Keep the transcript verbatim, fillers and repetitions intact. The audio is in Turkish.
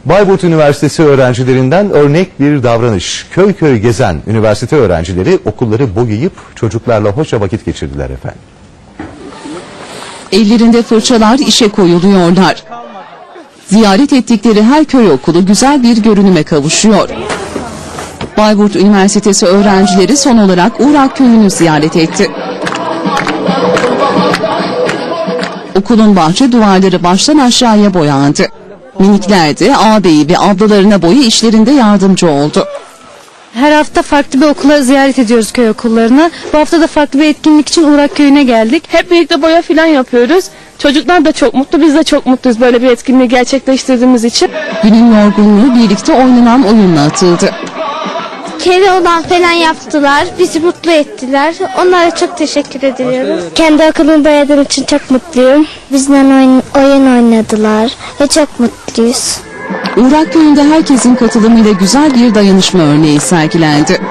Bayburt Üniversitesi öğrencilerinden örnek bir davranış. Köy köy gezen üniversite öğrencileri okulları boyayıp çocuklarla hoşça vakit geçirdiler efendim. Ellerinde fırçalar işe koyuluyorlar. Ziyaret ettikleri her köy okulu güzel bir görünüme kavuşuyor. Bayburt Üniversitesi öğrencileri son olarak Uğrak Köyü'nü ziyaret etti. Okulun bahçe duvarları baştan aşağıya boyandı. Minikler de ağabeyi ve ablalarına boya işlerinde yardımcı oldu. Her hafta farklı bir okula ziyaret ediyoruz, köy okullarına. Bu hafta da farklı bir etkinlik için Uğrak Köyü'ne geldik. Hep birlikte boya falan yapıyoruz. Çocuklar da çok mutlu, biz de çok mutluyuz böyle bir etkinliği gerçekleştirdiğimiz için. Günün yorgunluğu birlikte oynanan oyunla atıldı. Keloğlan falan yaptılar. Bizi mutlu ettiler. Onlara çok teşekkür ediyorum. Kendi okulumu boyadığım için çok mutluyum. Bizimle oyun, oyun oynadılar ve çok mutluyuz. Uğrak Köyü'nde herkesin katılımıyla güzel bir dayanışma örneği sergilendi.